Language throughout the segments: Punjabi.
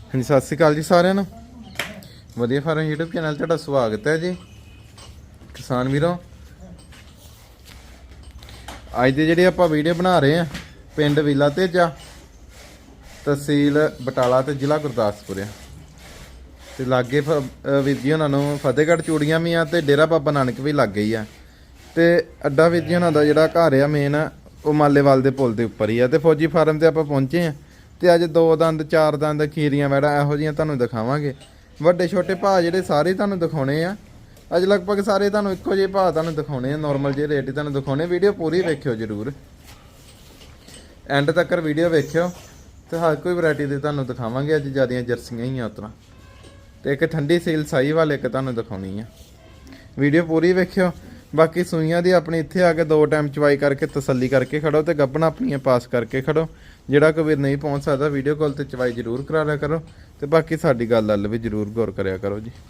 ਹਾਂਜੀ ਸਤਿ ਸ਼੍ਰੀ ਅਕਾਲ ਜੀ ਸਾਰਿਆਂ ਨੂੰ। ਵਧੀਆ ਫਾਰਮ YouTube ਚੈਨਲ ਤੁਹਾਡਾ ਸਵਾਗਤ ਹੈ ਜੀ ਕਿਸਾਨ ਵੀਰੋ। ਅੱਜ ਦੀ ਜਿਹੜੀ ਆਪਾਂ ਵੀਡੀਓ ਬਣਾ ਰਹੇ ਆ ਪਿੰਡ ਵਿਲਾ ਤੇਜਾ, ਤਹਿਸੀਲ ਬਟਾਲਾ ਤੇ ਜ਼ਿਲ੍ਹਾ ਗੁਰਦਾਸਪੁਰ ਆ ਤੇ ਲਾਗੇ ਵੀਰ ਜੀ ਉਹਨਾਂ ਨੂੰ ਫਤਿਹਗੜ੍ਹ ਚੂੜੀਆਂ ਵੀ ਆ ਤੇ ਡੇਰਾ ਬਾਬਾ ਨਾਨਕ ਵੀ ਲੱਗ ਗਈ ਆ ਤੇ ਅੱਡਾ ਵੀਰ ਜੀ ਉਹਨਾਂ ਦਾ ਜਿਹੜਾ ਘਰ ਆ ਮੇਨ ਉਹ ਮਾਲੇਵਾਲ ਦੇ ਪੁਲ ਦੇ ਉੱਪਰ ਹੀ ਆ ਤੇ ਫੌਜੀ ਫਾਰਮ ਤੇ ਆਪਾਂ ਪਹੁੰਚੇ ਆ ਤੇ ਅੱਜ 2 ਦੰਦ 4 ਦੰਦ ਖੀਰੀਆਂ ਵੈੜਾ ਇਹੋ ਜਿਹੀਆਂ ਤੁਹਾਨੂੰ ਦਿਖਾਵਾਂਗੇ। ਵੱਡੇ ਛੋਟੇ ਭਾਅ ਜਿਹੜੇ ਸਾਰੇ ਤੁਹਾਨੂੰ ਦਿਖਾਉਣੇ ਆ ਅੱਜ ਲਗਭਗ ਸਾਰੇ ਤੁਹਾਨੂੰ ਇੱਕੋ ਜਿਹੇ ਭਾਅ ਤੁਹਾਨੂੰ ਦਿਖਾਉਣੇ ਆ, ਨੋਰਮਲ ਜਿਹੇ ਰੇਟ ਹੀ ਤੁਹਾਨੂੰ ਦਿਖਾਉਣੇ। ਵੀਡੀਓ ਪੂਰੀ ਵੇਖਿਓ ਜਰੂਰ, ਐਂਡ ਤੱਕ ਵੀਡੀਓ ਵੇਖਿਓ ਤੇ ਹਰ ਕੋਈ ਵੈਰਾਈਟੀ ਦੇ ਤੁਹਾਨੂੰ ਦਿਖਾਵਾਂਗੇ। ਅੱਜ ਜਿਆਦੀਆਂ ਜਰਸੀਆਂ ਹੀ ਆ ਉਤਰਾ ਤੇ ਇੱਕ ਠੰਡੀ ਸੀਲ ਸਾਈ ਵਾਲੇ ਇੱਕ ਤੁਹਾਨੂੰ ਦਿਖਾਉਣੀ ਆ। ਵੀਡੀਓ ਪੂਰੀ ਵੇਖਿਓ। ਬਾਕੀ ਸੂਈਆਂ ਦੀ ਆਪਣੀ ਇੱਥੇ ਆ ਕੇ 2 ਟਾਈਮ ਚਵਾਈ ਕਰਕੇ ਤਸੱਲੀ ਕਰਕੇ ਖੜੋ ਤੇ ਗੱਭਣਾ ਆਪਣੀਆਂ ਪਾਸ ਕਰਕੇ ਖੜੋ। ਜਿਹੜਾ ਕੋਈ ਵੀਰ ਨਹੀਂ ਪਹੁੰਚ ਸਕਦਾ ਵੀਡੀਓ ਕਾਲ ਤੇ ਚਵਾਈ ਜ਼ਰੂਰ ਕਰਾ ਲਿਆ ਕਰੋ ਤੇ ਬਾਕੀ ਸਾਡੀ ਗੱਲ ਵੱਲ ਵੀ ਜ਼ਰੂਰ ਗੌਰ ਕਰਿਆ ਕਰੋ ਜੀ।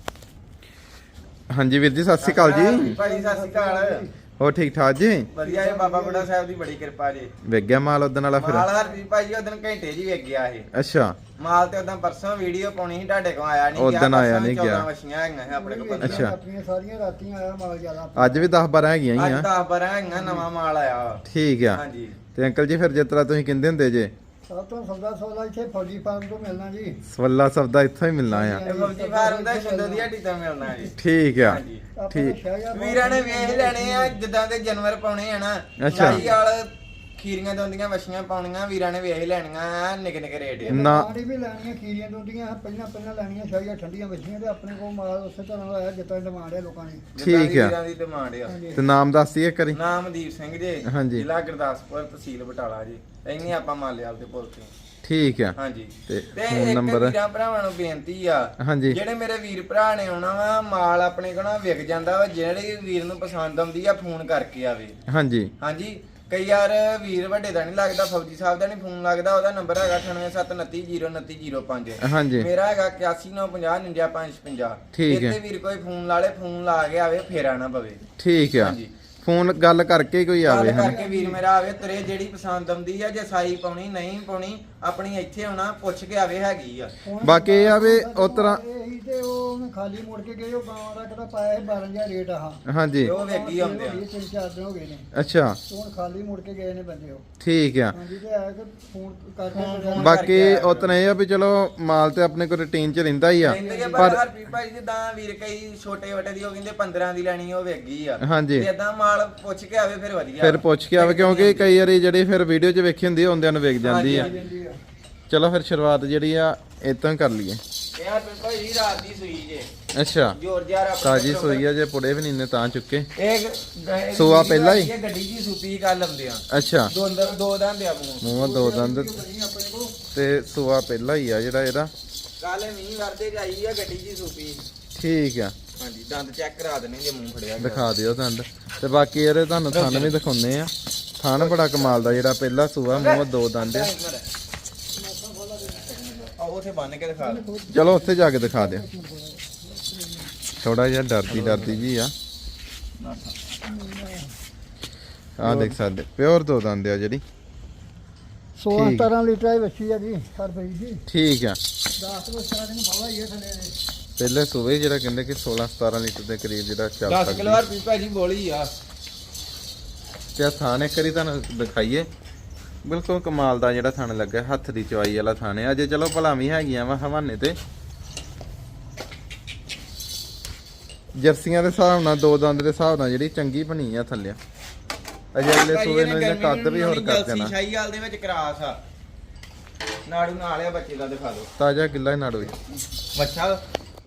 ਹਾਂਜੀ ਵੀਰ ਜੀ ਸਤਿ ਸ਼੍ਰੀ ਅਕਾਲ ਜੀ। ਭਾਈ ਸਤਿ ਸ਼੍ਰੀ ਅਕਾਲ। ਹੋ ਠੀਕ ਠਾਕ ਜੀ? ਵਧੀਆ ਜੀ, ਬਾਬਾ ਬੁੱਢਾ ਸਾਹਿਬ ਦੀ ਬੜੀ ਕਿਰਪਾ ਜੀ। ਵੇਖ ਗਿਆ ਮਾਲ ਉਦਣ ਵਾਲਾ ਫਿਰ? ਮਾਲ ਹਰਪ੍ਰੀਤ ਭਾਈ ਉਦੋਂ ਘੰਟੇ ਜੀ ਵੇਖ ਗਿਆ ਇਹ। ਅੱਛਾ ਮਾਲ ਤੇ ਉਦੋਂ ਪਰਸੋਂ ਵੀਡੀਓ ਪਾਉਣੀ ਸੀ ਤੁਹਾਡੇ ਕੋਲ ਆਇਆ ਨਹੀਂ ਉਦਣ ਆਇਆ ਨਹੀਂ ਗਿਆ। 14 ਵਛੀਆਂ ਹੈਗੀਆਂ ਆਪਣੇ ਕੋਲ। ਅੱਛਾ ਆਪਣੀਆਂ ਸਾਰੀਆਂ ਰਾਤੀਆਂ ਆਇਆ ਮਾਲ ਜ਼ਿਆਦਾ। ਅੱਜ ਵੀ 10 12 ਹੈਗੀਆਂ ਹੀ ਅੱਜ ਆ। 10 12 ਹੈਗੀਆਂ, ਨਵਾਂ ਮਾਲ ਆਇਆ। ਠੀਕ ਆ। ਹਾਂਜੀ ਤੇ ਅੰਕਲ ਜੀ ਫਿਰ ਜਿਸ ਤਰ੍ਹਾਂ ਤੁਸੀਂ ਕਹਿੰਦੇ ਹੁੰਦੇ ਜੇ ਸਭ ਤੋਂ ਸੌਦਾ ਇੱਥੇ ਫੌਜੀ ਫਾਰਮ ਤੋਂ ਮਿਲਣਾ ਜੀ। ਸਵੱਲਾ ਸਬਦਾ ਇੱਥੋਂ ਹੀ ਮਿਲਣਾ ਆ। ਇਹ ਫੌਜੀ ਫਾਰਮ ਦਾ ਸ਼ੁੱਧ ਦੀ ਹੱਡੀ ਤੋਂ ਮਿਲਣਾ ਜੀ। ਠੀਕ ਆ। ਹਾਂਜੀ ਠੀਕ। ਵੀਰਾਂ ਨੇ ਵੇਖ ਲੈਣੇ ਆ ਜਿੱਦਾਂ ਦੇ ਜਾਨਵਰ ਪਾਉਣੇ ਆ ਨਾ। ਅੱਛਾ। ਸ਼ਾਹੀ ਵਾਲ ਖੀਰੀਆਂ ਦੋਂਦੀਆਂ ਵਛੀਆਂ ਪਾਉਣੀਆਂ ਵੀਰਾਂ ਨੇ ਵੇਖ ਲੈਣੀਆਂ। ਨਿੱਕੇ ਨਿੱਕੇ ਰੇਟ ਆ। ਨਾ ਵੀ ਲੈਣੀਆਂ ਖੀਰੀਆਂ ਦੁੰਦੀਆਂ ਪਹਿਲਾਂ ਲੈਣੀਆਂ ਸ਼ਾਹੀਆਂ ਠੰਡੀਆਂ ਵੱਜੀਆਂ ਤੇ ਆਪਣੇ ਕੋਲ ਮਾਲ ਉਸੇ ਤਰ੍ਹਾਂ ਦਾ ਆਇਆ ਜਿੱਦਾਂ ਡਿਮਾਂਡ ਹੈ ਲੋਕਾਂ ਦੀ। ਠੀਕ ਆ। ਵੀਰਾਂ ਦੀ ਡਿਮਾਂਡ ਆ। ਤੇ ਨਾਮ ਦੱਸ ਦਈਏ ਕਰੀ। ਨਾਮਦੀਪ ਸਿੰਘ ਜੀ, ਹਾਂਜੀ। ਜ਼ਿਲ੍ਹਾ ਗੁਰਦਾਸਪੁਰ, ਤਹਿਸੀਲ ਬਟਾਲਾ ਜੀ। ਇੰਨੀ ਆਪਾਂ ਮਾਲੇਵਾਲ ਦੇ ਪੁੱਲ ਤੇ। ਠੀਕ ਆ। ਹਾਂਜੀ ਤੇ ਤੇ ਫੋਨ ਇੱਕ ਨੰਬਰ? ਵੀਰਾਂ ਭਰਾਵਾਂ ਨੂੰ ਬੇਨਤੀ ਆ, ਹਾਂਜੀ ਜਿਹੜੇ ਮੇਰੇ ਵੀਰ ਭਰਾ ਨੇ ਆਉਣਾ ਵਾ ਮਾਲ ਆਪਣੇ ਕੋਲ ਨਾ ਵਿਕ ਜਾਂਦਾ ਵਾ, ਜਿਹੜੇ ਵੀਰ ਨੂੰ ਪਸੰਦ ਆਉਂਦੀ ਆ ਫੋਨ ਕਰਕੇ ਆਵੇ। ਹਾਂਜੀ ਹਾਂਜੀ ਕਈ ਯਾਰ ਵੀਰ ਵੱਡੇ ਦਾ ਨਹੀਂ ਲੱਗਦਾ, ਫੌਜੀ ਸਾਹਿਬ ਦਾ ਨਹੀਂ ਫੋਨ ਲੱਗਦਾ। ਉਹਦਾ ਨੰਬਰ ਹੈਗਾ 9879302905। ਹਾਂਜੀ ਮੇਰਾ ਹੈਗਾ 8195099555। ਠੀਕ ਹੈ। ਇੱਥੇ ਵੀਰ ਕੋਈ ਫੋਨ ਲਾ ਲੇ, ਫੋਨ ਲਾ ਕੇ ਆਵੇ, ਫੇਰ ਆਣਾ ਪਵੇ। ਠੀਕ ਆ। ਹਾਂਜੀ ਫੋਨ ਗੱਲ ਕਰਕੇ ਕੋਈ ਆਵੇ ਗੱਲ ਹਨ। ਕਰਕੇ ਵੀਰ ਮੇਰਾ ਆਵੇ, ਤੇਰੇ ਜਿਹੜੀ ਪਸੰਦ ਆਉਂਦੀ ਆ, ਜੇ ਸਾਈ ਪਾਉਣੀ ਨਹੀਂ ਪਾਉਣੀ ਆਪਣੀ ਇੱਥੇ ਆਉਣਾ ਪੁੱਛ ਕੇ ਆਵੇ, ਹੈਗੀ ਆ। ਬਾਕੀ ਇਹ ਆ ਵੀ ਉਸ ਤਰ੍ਹਾਂ ਇਹੀ ਤੇ ਉਹਨੇ ਖਾਲੀ ਮੁੜ ਕੇ ਗਏ ਉਹ ਗਾਂ ਦਾ ਕਿਹੜਾ ਪਾਇਆ ਸੀ 12000 ਰੇਟ ਆਹ। ਹਾਂਜੀ ਤੇ ਉਹ ਵੇਖੀ ਆਉਂਦੇ ਆ। 3-4 ਦਿਨ ਹੋ ਗਏ ਨੇ। ਅੱਛਾ ਤੇ ਹੁਣ ਖਾਲੀ ਮੁੜ ਕੇ ਗਏ ਨੇ ਬੰਦੇ ਉਹ। ਠੀਕ ਆ। ਹਾਂਜੀ ਤੇ ਆਇਆ ਕਿ ਫੋਨ ਫੋਨ ਕਰਕੇ ਬਾਕੀ ਉਤਨਾ ਇਹ ਆ ਵੀ ਚਲੋ ਮਾਲ ਤੇ ਆਪਣੇ ਕੋਲ ਰੂਟੀਨ ਚ ਰਹਿੰਦਾ ਹੀ ਆ। ਕਹਿੰਦੇ ਪਰ ਪਰ ਹਰਪ੍ਰੀਤ ਭਾਈ ਜਿੱਦਾਂ ਵੀਰ ਕਈ ਛੋਟੇ ਵੱਟੇ ਦੀ ਉਹ ਕਹਿੰਦੇ 15 ਦੀ ਲੈਣੀ, ਉਹ ਵੇਗੀ ਆ। ਹਾਂਜੀ ਤੇ ਏਦਾਂ ਮਾਲ ਪੁੱਛ ਕੇ ਆਵੇ ਫਿਰ ਵਧੀਆ। ਫਿਰ ਪੁੱਛ ਕੇ ਆਵੇ ਕਿਉਂਕਿ ਕਈ ਵਾਰੀ ਜਿਹੜੀ ਫਿਰ ਵੀਡੀਓ 'ਚ ਵੇਖੀ ਹੁੰਦੀ ਹੁੰਦਿਆਂ ਨੂੰ ਵੇਖ ਜਾਂਦੀ ਆ। ਜਾਂਦੀ ਆ। ਚਲੋ ਫਿਰ ਸ਼ੁਰੂਆਤ ਜਿਹੜੀ ਆ ਇਤੋਂ ਹੀ ਕਰ ਲਈਏ। ਇਹ ਹਰਪ੍ਰੀਤ ਭਾਈ ਰਾਤ ਦੀ ਸੂਈ ਜੇ। ਅੱਛਾ ਜੋਰ ਜਾਰ ਆਪਣੇ ਤਾਜੀ ਸੋਈ ਆ, ਜੇ ਪੁੜੇ ਵੀ ਨਹੀਂ ਨੇ ਤਾਂ ਚੁੱਕੇ। ਇਹ ਸੂਆ ਪਹਿਲਾਂ ਹੀ? ਇਹ ਗੱਡੀ ਜੀ ਸੂਪੀ ਕੱਲ ਆਉਂਦੇ ਆ। ਅੱਛਾ ਦੋ ਦੰਦ ਆ ਮੂੰਹਾਂ 2 ਦੰਦ ਤੇ ਸੂਆ ਪਹਿਲਾਂ ਹੀ ਆ ਜਿਹੜਾ ਇਹਦਾ। ਕੱਲ ਮੀਂਹ ਵਰਦੇ ਜਾਈ ਆ, ਗੱਡੀ ਜੀ ਸੂਪੀ। ਠੀਕ ਆ। ਹਾਂਜੀ ਦੰਦ ਚੈੱਕ ਕਰਾ ਦੇਣੇ ਜੇ ਮੂੰਹ ਫੜਿਆ ਗਿਆ। ਦਿਖਾ ਦਿਓ ਦੰਦ ਤੇ ਬਾਕੀ ਇਹਦੇ ਤੁਹਾਨੂੰ ਥਣ ਵੀ ਦਿਖਾਉਂਦੇ ਆ। ਥਣ ਬੜਾ ਕਮਾਲ ਦਾ ਜਿਹੜਾ ਪਹਿਲਾ ਸੂਆ, ਮੂੰਹ 2 ਦੰਦ ਆ। ਆਹ ਉਥੇ ਬੰਨ ਕੇ ਦਿਖਾ ਦੇ। ਚਲੋ ਉੱਥੇ ਜਾ ਕੇ ਦਿਖਾ ਦਿਓ। ਥੋੜਾ ਜਿਹਾ ਡਰਦੀ ਜੀ ਆ। ਆਹ ਦੇਖ ਸਕਦੇ ਪਿਓਰ 2 ਦੰਦ ਆ ਜਿਹੜੀ। 16-17 ਲੀਟਰ ਦੀ ਵੱਛੀ ਆ ਜੀ ਹਰਪ੍ਰੀਤ ਜੀ। ਠੀਕ ਆ। 10 ਤੋਂ ਸਟਾਰਟ ਨੂੰ ਪਾਵਾ ਹੀ ਹੈ ਥੱਲੇ ਦੇ। ਪਹਿਲੇ ਸੂਏ ਜਿਹੜਾ ਕਹਿੰਦੇ ਕਿ 16-17 ਲੀਟਰ ਦੇ ਕਰੀਬ ਜਿਹੜਾ ਚੱਲ 10 ਸਕਦਾ। ਕਿਲੋ ਹਰਪ੍ਰੀਤ ਭਾਜੀ ਬੋਲੀ ਆ। ਤੇ ਆ ਥਾਣ ਇੱਕ ਵਾਰੀ ਤੁਹਾਨੂੰ ਦਿਖਾਈਏ। ਬਿਲਕੁਲ ਕਮਾਲ ਦਾ ਜਿਹੜਾ ਥਣ ਲੱਗਾ, ਹੱਥ ਦੀ ਚਵਾਈ ਵਾਲਾ ਥਣ ਹੈ। ਅਜੇ ਚਲੋ ਭਲਾ ਵੀ ਹੈਗੀਆਂ ਵਾ ਹਵਾਨੇ ਤੇ। ਜਰਸੀਆਂ ਦੇ ਹਿਸਾਬ ਨਾਲ 2 ਦੰਦ ਦੇ ਹਿਸਾਬ ਨਾਲ ਜਿਹੜੀ ਚੰਗੀ ਬਣੀ ਆ ਥੱਲੇ। ਅਜੇ ਅਗਲੇ ਸੂਏ ਨੂੰ ਇਹਨੇ ਕੱਦ ਵੀ ਹੋਰ ਕਰ ਦੇਣਾ। ਸ਼ਾਹੀ ਵਾਲ ਦੇ ਵਿੱਚ ਕਰਾਸ ਆ। ਨਾੜੂ ਨਾਲ ਆ ਬੱਚੇ ਦਾ, ਦਿਖਾ ਦਿਓ। ਤਾਜ਼ਾ ਗਿੱਲਾ ਹੀ ਨਾੜੂ। ਬੱਚਾ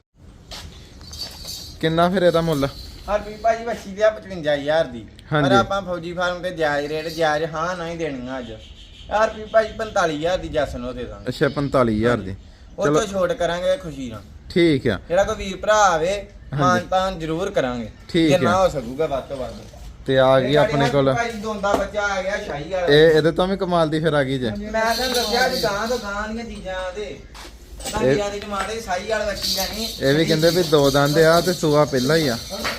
ਕਿੰਨਾ ਫਿਰ ਇਹਦਾ ਮੁੱਲ? ਹਰਪ੍ਰੀਤ ਭਾਜੀ ਬੱਚੀ ਦੀ ਆ 55000 ਦੀ। ਹਾਂਜੀ। ਪਰ ਆਪਾਂ ਫੌਜੀ ਫਾਰਮ ਤੇ ਜਾਇਜ਼ ਰੇਟ ਜਾਇਜ਼ ਹਾਂ ਨਹੀਂ ਦੇਣੀਆਂ ਅੱਜ। ਹਰਪ੍ਰੀਤ ਭਾਜੀ 45000 ਦੀ ਜਸਨ ਉਹ ਦੇ ਦਾਂਗੇ। ਅੱਛਾ 45000 ਦੀ। ਉਹ ਤੋਂ ਛੋਟ ਕਰਾਂਗੇ ਖੁਸ਼ੀ ਨਾਲ। ਠੀਕ ਆ। ਜਿਹੜਾ ਕੋਈ ਵੀਰ ਭਰਾ ਆਵੇ ਮਾਨਤਾਨ ਜ਼ਰੂਰ ਕਰਾਂਗੇ ਠੀਕ ਜਿੰਨਾ ਆ। ਹੋ ਸਕੂਗਾ ਵੱਧ ਤੋਂ ਵੱਧ। ਤੇ ਆ ਗਈ ਆਪਣੇ ਕੋਲ ਭਾਜੀ ਦੋਂਦਾ ਬੱਚਾ ਆ ਗਿਆ ਸ਼ਾਹੀ ਵਾਲਾ। ਇਹਦੇ ਤੋਂ ਵੀ ਕਮਾਲ ਦੀ ਫਿਰ ਆ ਗਈ ਜੇ। ਮੈਂ ਤੁਹਾਨੂੰ ਦੱਸਿਆ ਜੀ ਗਾਂ ਤੋਂ ਗਾਂ ਦੀਆਂ ਚੀਜ਼ਾਂ ਦੇ ਤਾਂ ਦੀ ਟਮਾਟਰ ਸਾਈ ਵਾਲਾ ਬੱਚੀ ਲੈਣੀ। ਇਹ ਵੀ ਕਹਿੰਦੇ ਵੀ 2 ਦੰਦ ਆ ਤੇ ਸੂਆ ਪਹਿਲਾਂ ਹੀ ਆ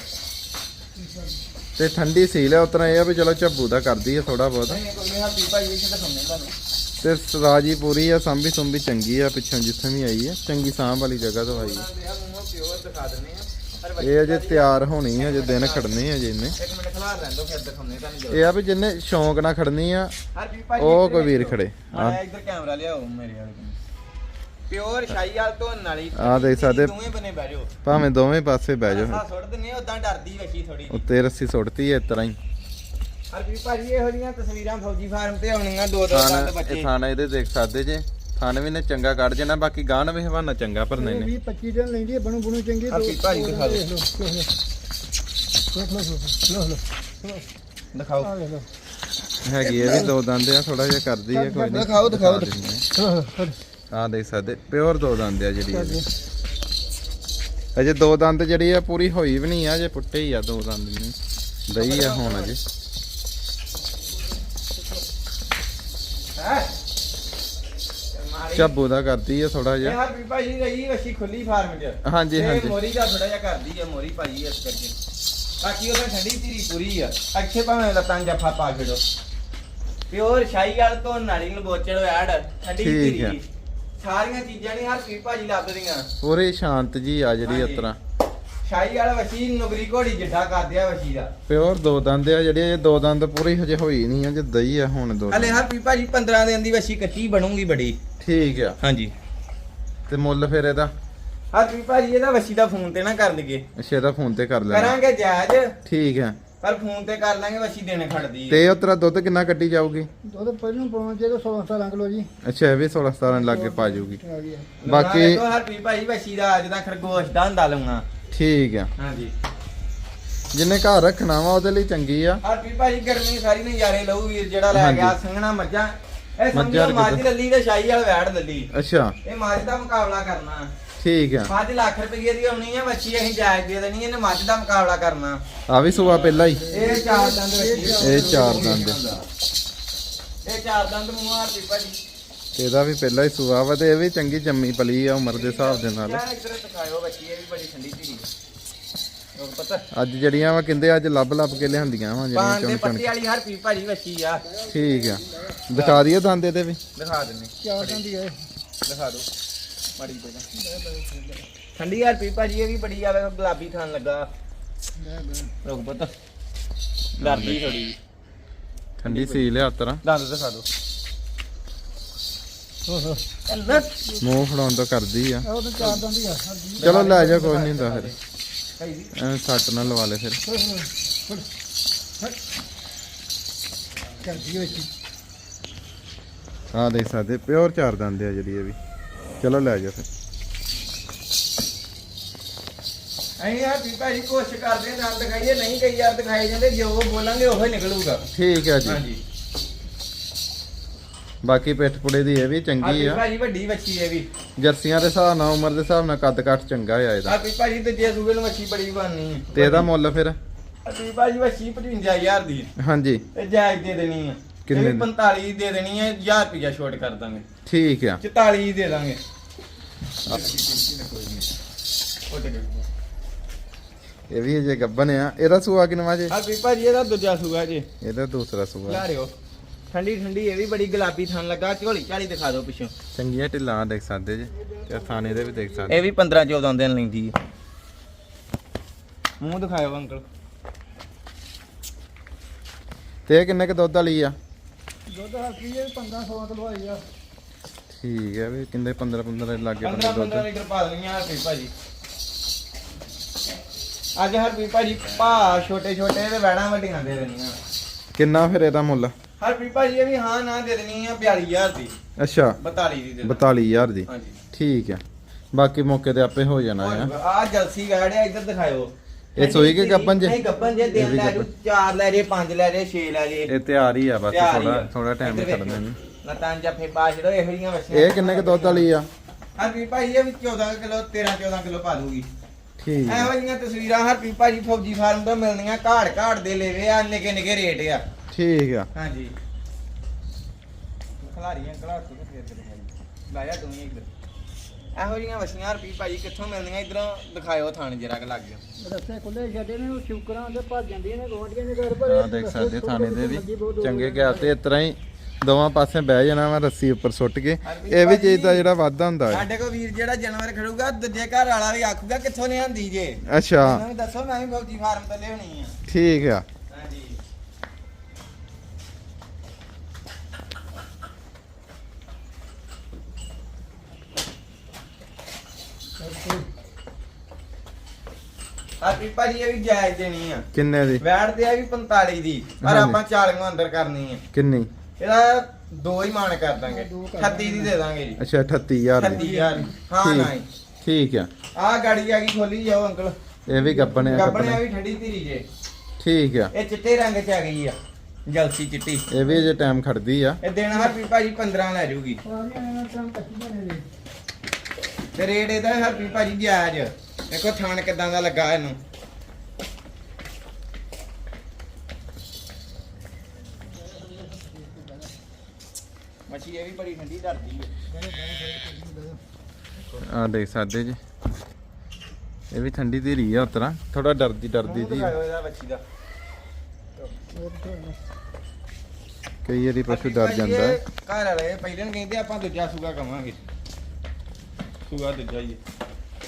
ਤੇ ਠੰਡੀ ਸੀਲ ਹੈ। ਉਤਨਾ ਇਹ ਆ ਵੀ ਚਲੋ ਝੱਬੂ ਦਾ ਕਰਦੀ ਹੈ ਥੋੜਾ ਬਹੁਤ। ਨਹੀਂ ਕੋਈ ਨਹੀਂ ਹਰਪ੍ਰੀਤ ਭਾਜੀ ਇਹ ਤਾਂ ਸੁਣਨੇ ਤੁਹਾਨੂੰ। ਤੇ ਸਰਾਜੀ ਪੂਰੀ ਆ, ਸੰਭੀ ਸੁੰਭੀ ਚੰਗੀ ਆ, ਪਿੱਛੋਂ ਜਿੱਥੇ ਵੀ ਆਈ ਆ ਚੰਗੀ ਸਾਂਭ ਵਾਲੀ ਜਗ੍ਹਾ ਤੋਂ ਆਈ ਆ। ਪਿਓਰ ਦਿਖਾ ਦਿੰਦੇ ਆ ਪਰ ਇਹ ਅਜੇ ਤਿਆਰ ਹੋਣੀ ਆ, ਅਜੇ ਦਿਨ ਖੜਨੇ ਆ, ਅਜੇ ਇਹਨੇ। ਇੱਕ ਮਿੰਟ ਖਲਾਰ ਲੈਣ ਦੋ ਫਿਰ ਦਿਖਾਉਂਦੇ ਤੁਹਾਨੂੰ ਇਹ ਆ ਵੀ ਜਿੰਨੇ ਸ਼ੌਂਕ ਨਾਲ ਖੜਨੀ ਆ ਹਰਪ੍ਰੀਤ ਭਾਜੀ ਉਹ ਕੋਈ ਵੀਰ ਖੜੇ ਆ ਇੱਧਰ ਕੈਮਰਾ ਲਿਆਓ ਮੇਰੇ ਵਾਲੇ ਕੋਲ ਪਿਓਰ ਸ਼ਾਹੀਵਾਲ ਧੋਣ ਵਾਲੀ ਆ ਦੇਖ ਸਕਦੇ ਦੋਵੇਂ ਬਨੇ ਬਹਿ ਜਾਓ ਭਾਵੇਂ ਦੋਵੇਂ ਪਾਸੇ ਬਹਿ ਜਾਓ। ਹਾਂ ਸੁੱਟ ਦਿੰਨੇ ਉਦਾਂ ਡਰਦੀ ਵਸ਼ੀ ਥੋੜੀ ਉੱਤੇ ਰੱਸੀ ਸੁੱਟਤੀ ਐ ਇਸ ਤਰ੍ਹਾਂ ਹੀ। ਹਰਪ੍ਰੀਤ ਭਾਜੀ ਇਹੋ ਜਿਹੀਆਂ ਤਸਵੀਰਾਂ ਫੌਜੀ ਫਾਰਮ ਤੇ ਆਉਣੀਆਂ ਦੋ ਦੋ ਦੰਦ ਇਹ ਬੱਚੇ ਥਾਣਾ ਇਹਦੇ ਦੇਖ ਸਕਦੇ ਜੇ, ਥਾਣੇ ਵੀ ਨੇ ਚੰਗਾ ਕੱਢ ਜਾਣਾ, ਬਾਕੀ ਗਾਂ ਵੀ ਹਵਾਨਾ ਚੰਗਾ ਭਰਨੇ ਨੇ। 20-25 ਦਿਨ ਲੈਂਦੀ ਹੈ ਬਣੂ ਬਣੂ ਚੰਗੀ। ਹਰਪ੍ਰੀਤ ਭਾਜੀ ਦਿਖਾ ਦਿਓ ਦਿਖਾਓ ਹੈਗੀ ਇਹ ਵੀ ਦੋ ਦੰਦ ਆ, ਥੋੜਾ ਜਿਹਾ ਕਰਦੀ ਆ ਕੋਈ ਨਹੀਂ। ਦਿਖਾਓ ਦਿਖਾਓ ਆ ਦੇਖ ਸਕਦੇ ਪਿਓਰ ਦੋ ਦੰਦ ਆ ਜਿਹੜੀ ਇਹਦੀ। ਅਜੇ ਦੋ ਦੰਦ ਜਿਹੜੀ ਆ ਪੂਰੀ ਹੋਈ ਵੀ ਨਹੀਂ ਆ, ਅਜੇ ਪੁੱਟੇ ਹੀ ਆ ਦੋ ਦੰਦ ਨਹੀਂ ਦਈ ਆ ਹੁਣ ਅਜੇ। ਝੱਬੂ ਦਾ ਕਰਦੀ ਆ ਥੋੜਾ ਇਹ ਜਿਹਾ। ਹਰਪ੍ਰੀਤ ਭਾਜੀ ਰਹੀ ਵਸ਼ੀ ਖੁੱਲੀ ਫਾਰਮ 'ਚ ਹਾਂਜੀ ਇਹ ਹਾਂਜੀ ਮੋਰੀ ਦਾ ਥੋੜਾ ਜਿਹਾ ਕਰਦੀ ਆ ਮੋਰੀ ਭਾਜੀ ਇਸ ਕਰਕੇ ਬਾਕੀ ਉਹਦਾ ਠੰਡੀ ਧੀਰੀ ਪੂਰੀ ਆ ਅੱਛੇ ਭਾਵੇਂ ਲੱਤਾਂ ਜੱਫਾ ਪਾ ਛੜੋ ਪਿਓਰ ਸ਼ਾਹੀਵਾਲ ਤੋਂ ਨਾਲੀ ਨੂੰ ਬੋਚੜ ਐਡ ਠੰਡੀ ਠੀਕ ਆ। ਧੀਰੀ ਸਾਰੀਆਂ ਚੀਜ਼ਾਂ ਨਹੀਂ ਹਰਪ੍ਰੀਤ ਭਾਜੀ ਲੱਭਦੀਆਂ ਪੂਰੀ ਸ਼ਾਂਤ ਜੀ ਆ ਜਿਹੜੀ ਇਸ ਤਰ੍ਹਾਂ। ਸ਼ਾਹੀਵਾਲ ਵਸ਼ੀ ਨੁਗਰੀ ਘੋੜੀ ਜਿੱਡਾ ਕਰਦੇ ਆ ਵਸ਼ੀ ਦਾ ਪਿਓਰ ਦੋ ਦੰਦ ਆ ਜਿਹੜੀ, ਇਹ ਦੋ ਦੰਦ ਪੂਰੀ ਹਜੇ ਹੋਈ ਨਹੀਂ ਆ, ਜੇ ਦਈ ਆ ਹੁਣ ਦੋ ਹਲੇ ਦੰਦ। ਹਰਪ੍ਰੀਤ ਭਾਜੀ 15 ਦਿਨ ਦੀ ਵਸ਼ੀ ਕੱਚੀ ਬਣੂਗੀ ਬੜੀ ਠੀਕ ਆ। ਹਾਂਜੀ ਤੇ ਮੁੱਲ ਫਿਰ ਇਹਦਾ? ਹਰਪ੍ਰੀਤ ਭਾਜੀ ਇਹਦਾ ਵਸ਼ੀ ਦਾ ਫੋਨ ਤੇ ਨਾ ਕਰ ਲਈਏ ਅੱਛਾ ਇਹਦਾ ਫੋਨ ਤੇ ਕਰ ਲੈਣਾ। ਕਰਾਂਗੇ ਜਾਇਜ਼ ਠੀਕ ਆ। ਪਰ ਫੋਨ ਤੇ ਕਰ ਲਾਂਗੇ ਵਸ਼ੀ ਦੇਣੇ ਖੜਦੀ ਤੇ ਉਹ ਤੇਰਾ ਦੁੱਧ ਕਿੰਨਾ ਕੱਢੀ ਜਾਊਗੀ? ਦੁੱਧ ਪਹਿਲਾਂ ਪਾਉਣਾ ਚਾਹੀਦਾ 16-17 ਕਿਲੋ ਜੀ। ਅੱਛਾ ਇਹ ਵੀ 16-17 ਲੱਗੇ ਪਾ ਜਾਊਗੀ। ਆ ਗਿਆ ਬਾਕੀ ਹਰਪ੍ਰੀਤ ਭਾਜੀ ਵਸ਼ੀ ਦਾ ਅੱਜ ਦਾ ਖਰਗੋਸ਼ ਦਾ ਹੁੰਦਾ ਲਊਗਾ ਠੀਕ ਆ। ਹਾਂਜੀ ਜਿੰਨੇ ਘਰ ਰੱਖਣਾ ਵਾ ਉਹਦੇ ਲਈ ਚੰਗੀ ਆ। ਹਰਪ੍ਰੀਤ ਭਾਜੀ ਗਰਮੀ ਸਾਰੀ ਨਜ਼ਾਰੇ ਲਊ ਵੀਰ ਜਿਹੜਾ ਲੈ ਗਿਆ ਸੰਘਣਾ ਮੱਝਾਂ ਇਹ ਮੱਝਾਂ ਸਮਝੋ ਮੱਝ ਲੱਲੀ ਤੇ ਸ਼ਾਹੀਵਾਲ ਵੈੜ ਲੱਲੀ ਅੱਛਾ ਇਹ ਮੱਝ ਦਾ ਮੁਕਾਬਲਾ ਕਰਨਾ ਠੀਕ ਆ। 5 ਲੱਖ ਰੁਪਏ ਦੀ ਆਉਣੀ ਹੈ ਵੱਛੀ ਅਸੀਂ ਜਾਇਜ਼ ਦੇ ਦੇਣੀ ਇਹਨੇ ਮੱਝ ਦਾ ਮੁਕਾਬਲਾ ਕਰਨਾ ਆ ਵੀ ਸੂਆ ਪਹਿਲਾਂ ਹੀ? ਇਹ ਚਾਰ ਦੰਦ ਵੱਛੀ ਇਹ ਚਾਰ ਦੰਦ। ਇਹ ਚਾਰ ਦੰਦ ਮੂੰਹ ਹਰਪ੍ਰੀਤ ਭਾਜੀ ਤੇ ਇਹਦਾ ਵੀ ਪਹਿਲਾਂ ਹੀ ਸੂਆ ਵਾ, ਤੇ ਇਹ ਵੀ ਚੰਗੀ ਜੰਮੀ ਪਲੀ ਆ ਉਮਰ ਦੇ ਹਿਸਾਬ ਦੇ ਨਾਲ। ਯਾਰ ਇਧਰ ਦਿਖਾਇਓ ਵੱਛੀ ਇਹ ਵੀ ਬੜੀ ਠੰਡੀ ਧੀਰੀ ਉਹ ਪਤਾ ਅੱਜ ਜਿਹੜੀਆਂ ਵਾ ਕਹਿੰਦੇ ਅੱਜ ਲੱਭ ਲੱਭ ਕੇ ਲਿਆਂਦੀਆਂ ਵਾ ਜਿਹੜੀਆਂ ਪਾਣ ਦੇ ਚੁਣ ਚੁਣ ਪੱਤੀ ਵਾਲੀ ਹਰਪ੍ਰੀਤ ਭਾਜੀ ਵੱਛੀ ਆ ਠੀਕ ਆ। ਦਿਖਾ ਦਈਏ ਦੰਦ ਇਹਦੇ ਵੀ? ਦਿਖਾ ਦਿੰਨੇ ਚਾਰ ਦੰਦੀ ਹੈ। ਦਿਖਾ ਦਿਓ ਮੜੀ ਪਹਿਲਾਂ ਠੰਡੀ ਹਰਪ੍ਰੀਤ ਭਾਜੀ ਇਹ ਵੀ ਬੜੀ ਆਵੇ ਗੁਲਾਬੀ ਥਾਨ ਲੱਗਾ ਰੁਕ ਪੁੱਤ ਡਰਦੀ ਥੋੜੀ ਠੰਡੀ ਸੀ ਲਿਆ ਤਰਾ। ਦੰਦ ਦਿਖਾ ਦਿਓ ਮੂੰਹ ਫੜਾਉਣ ਤੋਂ ਕਰਦੀ ਆ। ਉਹ ਤਾਂ ਚਾਰ ਦੰਦੀ ਆ। ਚਲੋ ਲੈ ਜਾ ਕੋਈ ਨਹੀਂ ਹੁੰਦਾ ਫਿਰ ਭਾਈ ਜੀ ਐਵੇਂ ਸੱਟ ਨਾ ਲਵਾ ਲੈ ਫਿਰ। ਕਰਦੀ ਵਿੱਚ ਆ ਦੇਖ ਸਕਦੇ ਪਿਓਰ ਚਾਰ ਦੰਦ ਆ ਜਿਹੜੀ ਇਹ ਵੀ। ਚਲੋ ਲੈ ਜਾ ਫਿਰ। ਅਸੀਂ ਯਾਰ ਭਾਜੀ ਕੋਸ਼ਿਸ਼ ਕਰਦੇ ਹਾਂ ਨਾਲ ਦਿਖਾਈਏ ਨਹੀਂ ਕਈ ਯਾਰ ਦਿਖਾਏ ਜਾਂਦੇ ਜੋ ਬੋਲਾਂਗੇ ਉਹੀ ਨਿਕਲੂਗਾ ਠੀਕ ਆ ਜੀ। ਹਾਂਜੀ ਬਾਕੀ ਪਿੱਠ ਪੁੜੇ ਦੀ ਇਹ ਵੀ ਚੰਗੀ ਆ। ਭਾਜੀ ਵੱਡੀ ਵੱਛੀ ਹੈ ਵੀ ਜਰਸੀਆਂ ਦੇ ਹਿਸਾਬ ਨਾਲ ਉਮਰ ਦੇ ਹਿਸਾਬ ਨਾਲ ਕੱਦ ਕੱਟ ਚੰਗਾ ਆ ਇਹਦਾ। ਭਾਜੀ ਤੇ ਜੇ ਸੂਬੇ ਨੂੰ ਵੱਛੀ ਬੜੀ ਬਣਨੀ ਤੇ ਇਹਦਾ ਮੁੱਲ ਫਿਰ? ਭਾਜੀ ਵੱਛੀ 55000 ਦੀ ਹਾਂਜੀ ਤੇ ਜਾਇਜ਼ ਦੇ ਦੇਣੀ ਆ ਕਿੰਨੇ ਇਹ ਵੀ 45 ਦੇ ਦੇਣੀ ਹੈ 1000 ਰੁਪਇਆ ਛੋਟ ਕਰ ਦਾਂਗੇ ਠੀਕ ਆ। 44 ਦੇ ਦਾਂਗੇ ਇਹ ਵੀ ਜੇ ਗੱਬਨ ਆ। ਇਹਦਾ ਸੂਆ ਕਿੰਨਾ ਜੇ? ਭਾਜੀ ਇਹਦਾ ਦੂਜਾ ਸੂਆ ਜੀ ਇਹਦਾ ਦੂਸਰਾ ਸੂਆ। ਲਾ ਰਿਓ ਠੰਡੀ ਠੰਡੀ ਇਹ ਵੀ ਬੜੀ ਗੁਲਾਬੀ ਥਣ ਲੱਗਾ ਝੋਲੀ ਝਾਲੀ ਦਿਖਾ ਦਿਓ ਪਿੱਛੋਂ ਚੰਗੀਆਂ ਢਿੱਲਾਂ ਦੇਖ ਸਕਦੇ ਜੇ, ਤੇ ਥਾਣੇ ਦੇ ਵੀ ਦੇਖ ਸਕਦੇ। ਇਹ ਵੀ 15 14 ਦਿਨ ਲੈਂਦੀ ਹੈ ਮੂੰਹ ਦਿਖਾਇਓ ਅੰਕਲ ਤੇ ਇਹ ਕਿੰਨੇ ਕ ਦੁੱਧ ਵਾਲੀ ਆ? ਦੁੱਧ ਹਲਕੀ ਹੈ 15-16 ਕਿਲੋ ਆਈ ਆ। ਠੀਕ ਹੈ ਵੀ ਕਿੰਨੇ 15 ਲੱਗੇ 15 ਦੁੱਧ। ਲੀਟਰ ਪਾ ਦੇਣੀਆਂ ਹਰਪ੍ਰੀਤ ਭਾਜੀ ਅੱਜ ਹਰਪ੍ਰੀਤ ਭਾਜੀ ਭਾ ਛੋਟੇ ਛੋਟੇ ਤੇ ਵੈੜਾਂ ਵੱਡੀਆਂ ਦੇ ਦੇਣੀਆਂ। ਕਿੰਨਾ ਫਿਰ ਇਹਦਾ ਮੁੱਲ? ਹਰਪ੍ਰੀਤ ਭਾਜੀ ਇਹ ਵੀ ਹਾਂ ਨਾ ਦੇ ਦੇਣੀ ਆ 42000 ਦੀ। ਅੱਛਾ 42 ਦੀ ਦੇ 42000 ਦੀ। ਹਾਂਜੀ ਠੀਕ ਆ। ਬਾਕੀ ਮੌਕੇ ਤੇ ਆਪੇ ਹੋ ਜਾਣਾ ਆ। ਆ ਜਲਸੀ ਗਾੜਿਆ ਇੱਧਰ ਦਿਖਾਇਓ ਇਹ ਸੋਈ ਕੇ ਗੱਬਨ ਜੇ? ਨਹੀਂ ਗੱਬਨ ਜੇ ਇਹ ਦਿਨ ਵੀ ਲੈ ਜੂ ਗੱਭਣ। 4 ਲੈ ਜੇ 5 ਲੈ ਜੇ 6 ਲੈ ਜੇ ਇਹ ਤਿਆਰ ਹੀ ਆ ਬਸ, ਤਿਆਰ ਹੀ ਥੋੜਾ ਆ। ਥੋੜਾ ਟਾਈਮ ਇੱਧਰ ਛੱਡਣਾ ਵੇਖੋ। ਇਹਨੂੰ। ਲਤਾਂ ਜੱਫੇ ਪਾ ਛੜੋ ਇਹੋ ਜਿਹੀਆਂ ਵਛੀਆਂ ਇਹ ਕਿੰਨੇ ਕ ਦੁੱਧ ਵਾਲੀ ਆ? ਹਰਪ੍ਰੀਤ ਭਾਜੀ ਇਹ ਵੀ 14 ਕਿਲੋ 13 14 ਕਿਲੋ ਪਾ ਦੂਗੀ ਠੀਕ ਆ। ਇਹੋ ਜਿਹੀਆਂ ਤਸਵੀਰਾਂ ਹਰਪ੍ਰੀਤ ਭਾਜੀ ਫੌਜੀ ਫਾਰਮ ਤੋਂ ਮਿਲਣੀਆਂ ਘਾੜ ਦੇ ਲੈਵੇ ਆ ਨਿੱਕੇ ਨਿੱਕੇ ਰੇਟ ਆ ਠੀਕ ਆ। ਹਾਂਜੀ ਖਲਾਰੀਆਂ ਖਲਾਰ ਤੋਂ ਫੇਰ ਤੇ ਦਿਖਾਈ ਲਾਇਆ ਤੂੰ ਹੀ ਇੱਧਰ ਇਹੋ ਜਿਹੀਆਂ ਵਛੀਆਂ ਹਰਪ੍ਰੀਤ ਭਾਜੀ ਕਿੱਥੋਂ ਮਿਲਣੀਆਂ ਇਧਰੋਂ ਦਿਖਾਇਓ ਥਾਣ ਜਰਾ ਕ ਲੱਗ ਗਿਆ ਰਸਤੇ ਖੁੱਲੇ ਛੱਡੇ ਨੇ ਉਹ ਸ਼ੁਕਰਾਂ ਦੇ ਭੱਜ ਜਾਂਦੀਆਂ ਨੇ ਗੋਂਡੀਆਂ ਦੇ ਘਰ ਪਰ ਆ ਦੇਖ ਸਕਦੇ ਥਾਣੇ ਦੇ ਵੀ ਚੰਗੇ ਗਿਆ ਤੇ ਇਸ ਤਰ੍ਹਾਂ ਹੀ ਦੋਵਾਂ ਪਾਸੇ ਬਹਿ ਜਾਣਾ ਵਾ ਰੱਸੀ ਉੱਪਰ ਸੁੱਟ ਕੇ। ਇਹ ਵੀ ਚੀਜ਼ ਦਾ ਜਿਹੜਾ ਵਾਧਾ ਹੁੰਦਾ ਹੈ। ਸਾਡੇ ਕੋਲ ਵੀਰ ਜਿਹੜਾ ਜਾਨਵਰ ਖੜੂਗਾ ਦੂਜੇ ਘਰ ਵਾਲਾ ਵੀ ਆਖੂਗਾ ਕਿੱਥੋਂ ਲਿਆਂਦੀ ਜੇ। ਅੱਛਾ ਉਹਨਾਂ ਨੂੰ ਦੱਸੋ ਮੈਂ ਵੀ ਫੌਜੀ ਫਾਰਮ ਤੋਂ ਲਿਆਉਣੀ ਆ। ਠੀਕ ਆ। ਹਾਂਜੀ ਆਪੀ ਭਾਜੀ ਇਹ ਵੀ ਜਾਇਜ਼ ਦੇਣੀ ਆ। ਕਿੰਨੇ ਦੀ? ਵੈਟ ਤੇ ਆ ਵੀ 45 ਦੀ ਪਰ ਹਾਂਜੀ। ਆਪਾਂ 40 ਨੂੰ ਅੰਦਰ ਕਰਨੀ ਆ। ਕਿੰਨੀ? ਇਹਦਾ ਦੋ ਹੀ ਮਾਨ ਕਰ ਦਾਂਗੇ 38 ਦੀ ਦੇ ਦਾਂਗੇ ਜੀ। ਅੱਛਾ 38000 ਦੀ। 38000 ਹਾਂ ਠੀਕ। ਨਹੀਂ ਠੀਕ ਆ। ਆ ਗਾੜੀ ਆ ਗਈ ਖੋਲੀ ਜਾਓ ਅੰਕਲ। ਇਹ ਵੀ ਗੱਬਣੇ ਆ ਗੱਬਣੇ ਕੱਪਣੇ। ਵੀ ਠੰਡੀ ਧੀਰੀ ਜੇ। ਠੀਕ ਆ। ਇਹ ਚਿੱਟੇ ਰੰਗ ਚ ਆ ਗਈ ਆ ਜਲਸੀ ਚਿੱਟੀ। ਇਹ ਵੀ ਜੇ ਟਾਈਮ ਖੜਦੀ ਆ। ਇਹ ਦਿਨ ਹਰਪੀ ਭਾਜੀ 15 ਲੈ ਜੂਗੀ ਸਾਰੀਆਂ ਇਹਨਾਂ ਤੋਂ ਕੱਚੀ ਬਣੇ ਨੇ। ਤੇ ਰੇਟ ਇਹਦਾ ਹਰਪੀ ਭਾਜੀ ਜਾਇਜ਼। ਦੇਖੋ ਥਾਣ ਕਿਦਾਂ ਦਾ ਲੱਗਾ ਇਹਨੂੰ। ਮੱਛੀ ਇਹ ਵੀ ਬੜੀ ਠੰਡੀ ਡਰਦੀ ਹੈ। ਆ ਦੇਖ ਸਕਦੇ ਜੀ, ਇਹ ਵੀ ਠੰਡੀ ਧੀਰੀ ਆ ਉਤਰਾ, ਥੋੜਾ ਡਰਦੀ ਜੀ। ਦਿਖਾਇਓ ਇਹਦਾ ਮੱਛੀ ਦਾ। ਕਈ ਵਾਰੀ ਪਸ਼ੂ ਡਰ ਭਾਜੀ ਜਾਂਦਾ ਹੈ। ਇਹ ਘਰ ਵਾਲੇ ਪਹਿਲਾਂ ਨੂੰ ਕਹਿੰਦੇ ਆਪਾਂ ਦੂਜਾ ਸੂਗਾ ਕਵਾਂਗੇ। ਸੂਗਾ ਦੂਜਾ ਹੀ ਹੈ।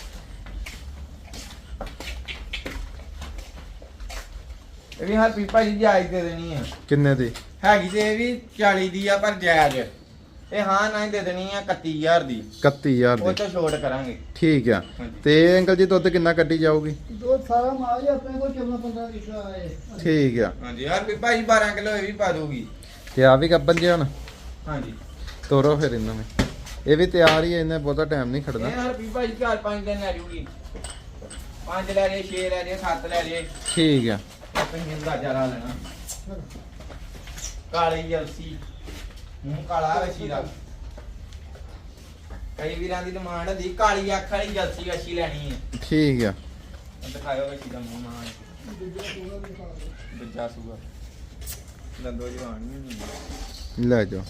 ਇਹ ਵੀ ਹਰਪੀ ਭਾਜੀ ਜਾਇਜ਼ ਦੇ ਦੇਣੀ ਆ। ਕਿੰਨੇ ਦੀ? ਹੈਗੀ ਤੇ ਇਹ ਵੀ 40 ਦੀ ਆ ਪਰ ਜਾਇਜ਼। ਇਹ ਹਾਂ ਨਾ ਹੀ ਦੇ ਦੇਣੀ ਆ 31000 ਦੀ। 31000 ਉਹ ਦੀ। ਤੋਂ ਛੋਟ ਕਰਾਂਗੇ। ਠੀਕ ਆ। ਹਾਂਜੀ। ਤੇ ਅੰਕਲ ਜੀ ਦੁੱਧ ਕਿੰਨਾ ਕੱਢੀ ਜਾਊਗੀ? ਦੋ ਸਾਰਾ ਮਾਲ ਹੀ ਆਪਣੇ ਕੋਲ 14-15 ਲੀਟਰ ਆਏ। ਠੀਕ ਆ। ਹਾਂਜੀ ਹਰਪੀ ਭਾਜੀ 12 ਕਿਲੋ ਇਹ ਵੀ ਪਾ ਦੂਗੀ। ਤੇ ਆ ਵੀ ਗੱਬਨ ਜੇ ਹੁਣ ਹਾਂਜੀ ਤੋਰੋ ਫਿਰ ਇਹਨਾਂ ਨੂੰ। ਇਹ ਵੀ ਤਿਆਰ ਹੀ ਹੈ, ਇਹਨੇ ਬਹੁਤਾ ਟਾਈਮ ਨਹੀਂ ਖੜਨਾ। ਇਹ ਹਰਪੀ ਭਾਜੀ 4-5 ਦਿਨ ਲੈ ਜੂਗੀ। 5 ਲੈ ਜੇ 6 ਲੈ ਜੇ 7 ਲੈ ਜੇ। ਠੀਕ ਆ। ਆਪਣੀ ਅੰਦਾਜ਼ਾ ਲਾ ਲੈਣਾ। ਕਾਲੀ ਜਲਸੀ ਮੂੰਹ ਕਾਲਾ ਵਛੀ ਦਾ। ਕਈ ਵੀਰਾਂ ਦੀ ਡਿਮਾਂਡ ਹੁੰਦੀ ਕਾਲੀ ਅੱਖ ਵਾਲੀ ਜਲਸੀ ਵਛੀ ਲੈਣੀ ਹੈ। ਠੀਕ ਆ। ਦਿਖਾਇਓ ਵਛੀ ਦਾ ਮੂੰਹ ਮਾਂ। ਦੂਜਾ ਸੂਗਾ ਦੰਦੋ ਜਵਾਨ ਨਹੀਂ ਹੁੰਦੀ। ਲੈ ਜਾਓ।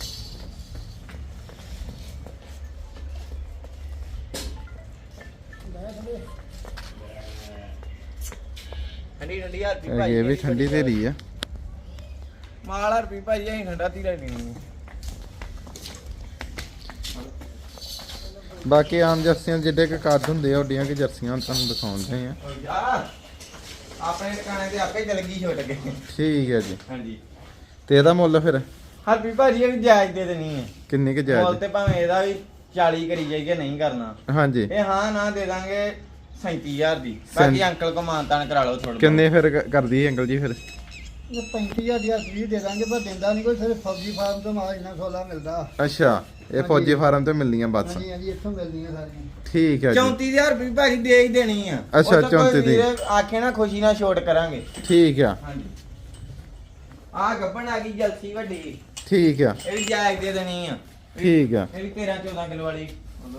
ਠੰਡੀ ਠੰਡੀ ਹਰਪੀ ਇਹ ਭਾਜੀ ਵੀ ਠੰਡੀ ਧੀਰੀ ਆ। ਮਾਲ ਹਰਪੀ ਭਾਜੀ ਅਸੀਂ ਠੰਡਾ ਧੀਰਾ ਲੈਣੀ ਹੈ। ਬਾਕੀ ਆਮ ਜਰਸੀਆਂ ਜਿੱਡੇ ਕੁ ਕੱਦ ਹੁੰਦੇ ਆ ਓਡੀਆਂ ਕਿ ਜਰਸੀਆਂ ਤੁਹਾਨੂੰ ਦਿਖਾਉਂਦੇ ਆ। ਆਪਣੇ ਟਿਕਾਣੇ ਤੇ ਆਪੇ ਚਲ ਗਈ ਛੁੱਟ ਕੇ। ਠੀਕ ਹੈ ਜੀ। ਹਾਂਜੀ ਤੇ ਇਹਦਾ ਮੁੱਲ ਫਿਰ ਹਰਪੀ ਭਾਜੀ ਇਹ ਵੀ ਜਾਇਜ਼ ਦੇ ਦੇਣੀ ਹੈ। ਕਿੰਨੀ ਕੁ ਮੁੱਲ ਜਾਇਜ਼? ਤੇ ਭਾਵੇਂ ਇਹਦਾ ਵੀ 40 ਕਰੀ ਜਾਈਏ ਨਹੀਂ ਕਰਨਾ। ਹਾਂਜੀ। ਇਹ ਹਾਂ ਨਾ ਦੇ ਦਾਂਗੇ 37000 ਦੀ। ਬਾਕੀ ਅੰਕਲ ਕੋ ਮਾਨਤਾਨ ਕਰਾ ਲਓ ਥੋੜਾ। ਕਿੰਨੇ ਫਿਰ ਕਰਦੀ ਹੈ ਅੰਕਲ ਜੀ ਫਿਰ? ਇਹ 35000 ਦੀ ਫ੍ਰੀ ਦੇ ਦਾਂਗੇ ਪਰ ਦਿੰਦਾ ਨਹੀਂ ਕੋਈ। ਸਿਰਫ ਫੌਜੀ ਫਾਰਮ ਤੋਂ ਮਾਲ ਇੰਨਾ ਸੋਲਾ ਮਿਲਦਾ। ਅੱਛਾ ਇਹ ਫੌਜੀ ਫਾਰਮ ਤੇ ਮਿਲਦੀਆਂ ਬਸ। ਹਾਂਜੀ ਹਾਂਜੀ ਇੱਥੋਂ ਮਿਲਦੀਆਂ ਸਾਰੀਆਂ। ਠੀਕ ਹੈ ਜੀ। 34000 ਰੁਪਏ ਭਾਜੀ ਦੇ ਹੀ ਦੇਣੀ ਆ। ਅੱਛਾ, ਉਹ ਤਾਂ ਕੋਈ 34 ਦੀ। ਵੀਰ ਆਖੇ ਨਾ ਖੁਸ਼ੀ ਨਾਲ ਛੋਟ ਕਰਾਂਗੇ। ਠੀਕ ਆ। ਹਾਂਜੀ ਆ ਗੱਬਣ ਆ ਗਈ ਜਲਸੀ ਵੱਡੀ। ਠੀਕ ਆ। ਇਹ ਵੀ ਜਾਇਜ਼ ਦੇ ਦੇਣੀ ਆ। ਠੀਕ ਆ। ਇਹ ਵੀ 13-14 ਕਿਲੋ ਵਾਲੀ।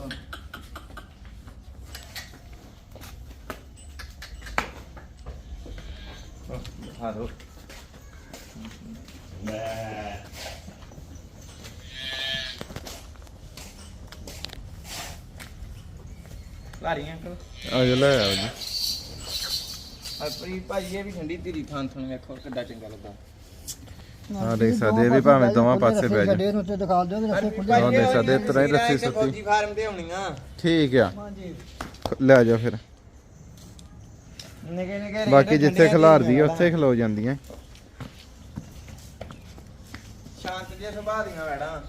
ਦਿਖਾ ਦੋ। ਲਾਰੀਆਂ ਅੰਕਲ ਆ ਜਾ ਲੈ ਆਓ ਜੀ। ਆਪਣੀ ਭਾਜੀ ਇਹ ਵੀ ਠੰਡੀ ਧੀਰੀ ਥਾਂ ਥਣ ਵੇਖੋ ਕਿੱਡਾ ਚੰਗਾ ਲੱਗਾ। ਹਾਂ ਦੇਖ ਸਕਦੇ ਇਹ ਵੀ ਭਾਵੇਂ ਦੋਵਾਂ ਪਾਸੇ ਬਹਿ ਜਾ। ਛੱਡੇ ਨੂੰ ਤੇ ਦਿਖਾ ਦਿਓ ਰੱਸੇ ਖੁੱਲੇ। ਹਾਂ, ਦੇਖ ਸਕਦੇ ਇਸ ਤਰ੍ਹਾਂ ਹੀ ਰੱਸੀ ਸੁੱਟੀ। ਫੌਜੀ ਫਾਰਮ ਤੇ ਹੋਣੀਆਂ। ਠੀਕ ਆ। ਹਾਂਜੀ ਲੈ ਜਾਓ ਫਿਰ। ਨਿੱਕੇ ਨਿੱਕੇ ਰੇਟ ਬਾਕੀ ਜਿੱਥੇ ਠੰਡੀਆਂ ਖਿਲਾਰਦੀ ਆ ਧੀਰੀਆਂ ਉੱਥੇ ਖਲੋ ਜਾਂਦੀਆਂ। ਸ਼ਾਂਤ ਜਿਹੇ ਸੁਭਾਅ ਦੀਆਂ ਵੈੜਾਂ।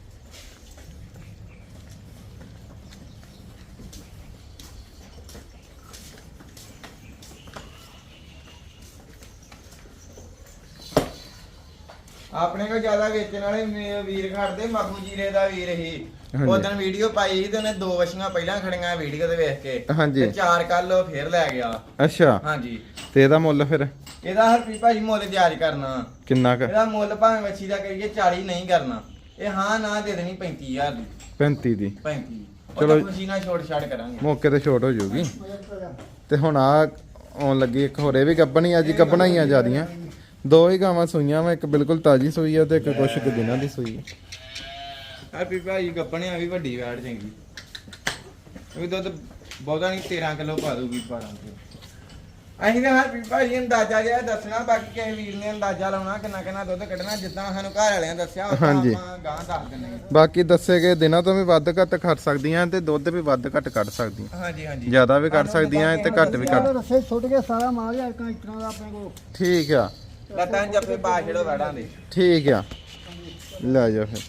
ਆਪਣੇ ਕੋਲ ਜ਼ਿਆਦਾ ਵੇਚਣ ਵਾਲੇ ਵੀਰ ਖੜਦੇ ਮਾਗੂ ਜੀਰੇ ਦਾ ਵੀਰ ਹੀ। ਹਾਂਜੀ। ਉਦੋਂ ਵੀਡੀਓ ਪਾਈ ਸੀ ਤੇ ਉਹਨੇ 2 ਵਛੀਆਂ ਪਹਿਲਾਂ ਖੜੀਆਂ ਵੀਡੀਓ ਤੇ ਵੇਖ ਕੇ। ਹਾਂਜੀ। ਤੇ 4 ਕੱਲ ਉਹ ਫੇਰ ਲੈ ਗਿਆ। ਅੱਛਾ ਹਾਂਜੀ ਤੇ ਇਹਦਾ ਮੁੱਲ ਫਿਰ ਇਹਦਾ ਹਰਪੀ ਭਾਜੀ ਮੁੱਲ ਜਾਇਜ਼ ਕਰਨਾ। ਕਿੰਨਾ ਕੁ? ਇਹਦਾ ਮੁੱਲ ਭਾਵੇਂ ਵੱਛੀ ਦਾ ਕਰੀਏ 40 ਨਹੀਂ ਕਰਨਾ। ਇਹ ਹਾਂ ਨਾ ਦੇ ਦੇਣੀ 35000 ਦੀ। 35 ਦੀ। 35 ਚਲੋ। ਚਲੋ ਖੁਸ਼ੀ ਨਾਲ ਛੋੜ ਛਾੜ ਕਰਾਂਗੇ। ਮੌਕੇ ਤੇ ਛੋਟ ਹੋ ਜਾਊਗੀ। ਤੇ ਹੁਣ ਆ ਆਉਣ ਲੱਗੀ ਇੱਕ ਹੋਰ, ਇਹ ਵੀ ਗੱਬਣੀ ਅੱਜ ਗੱਬਣਾ ਹੀ ਆ ਜਿਆਦੀਆਂ। ਦੋ ਹੀ ਗਾਵਾਂ ਸੂਈਆਂ ਵਾ, ਇੱਕ ਬਿਲਕੁਲ ਤਾਜੀ ਸੂਈ ਆ ਤੇ ਇੱਕ ਕੁਛ ਕੁ ਦਿਨਾਂ ਦੀ ਸੂਈ ਆ। ਹਰਪੀ ਭਾਜੀ ਗੱਪਣਿਆ ਵੀ ਵੱਡੀ ਵੈੜ ਚੰਗੀ। ਇਹ ਦੁੱਧ ਬਹੁਤਾ ਨਹੀਂ 13 ਕਿਲੋ ਪਾ ਦੂਗੀ 12 ਕਿਲੋ। ਅਸੀਂ ਤਾਂ ਹਰ ਭਾਜੀ ਅੰਦਾਜ਼ਾ ਜਿਹਾ ਦੱਸਣਾ, ਬਾਕੀ ਕਿਸੇ ਵੀਰ ਨੇ ਅੰਦਾਜ਼ਾ ਲਾਉਣਾ ਕਿੰਨਾ ਕਿੰਨਾ ਦੁੱਧ ਕੱਢਣਾ, ਜਿੱਦਾਂ ਸਾਨੂੰ ਘਰ ਵਾਲਿਆਂ ਦੱਸਿਆ ਉਹ ਹਾਂਜੀ। ਆਪਾਂ ਗਾਂ ਦੱਸ ਦਿੰਦੇ ਹਾਂ। ਬਾਕੀ ਦੱਸੇ ਗਏ ਦਿਨਾਂ ਤੋਂ ਵੀ ਵੱਧ ਘੱਟ ਖੜ ਸਕਦੀਆਂ ਤੇ ਦੁੱਧ ਵੀ ਵੱਧ ਘੱਟ ਕੱਢ ਸਕਦੀਆਂ, ਹਾਂਜੀ ਹਾਂਜੀ ਜ਼ਿਆਦਾ ਵੀ ਕੱਢ ਸਕਦੀਆਂ ਤੇ ਘੱਟ ਵੀ ਕੱਢ। ਰਸੇ ਛੁੱਟ ਕੇ ਸਾਰਾ ਮਾਲ ਆ ਇਕਾਂ ਇਤਨਾ ਦਾ ਆਪਣੇ ਕੋਲ। ਠੀਕ ਆ ਲੱਤਾਂ ਜੱਫੇ ਪਾ ਛੜੋ ਵੜਾਂ ਦੇ। ਠੀਕ ਆ, ਲੈ ਜਾ ਫਿਰ।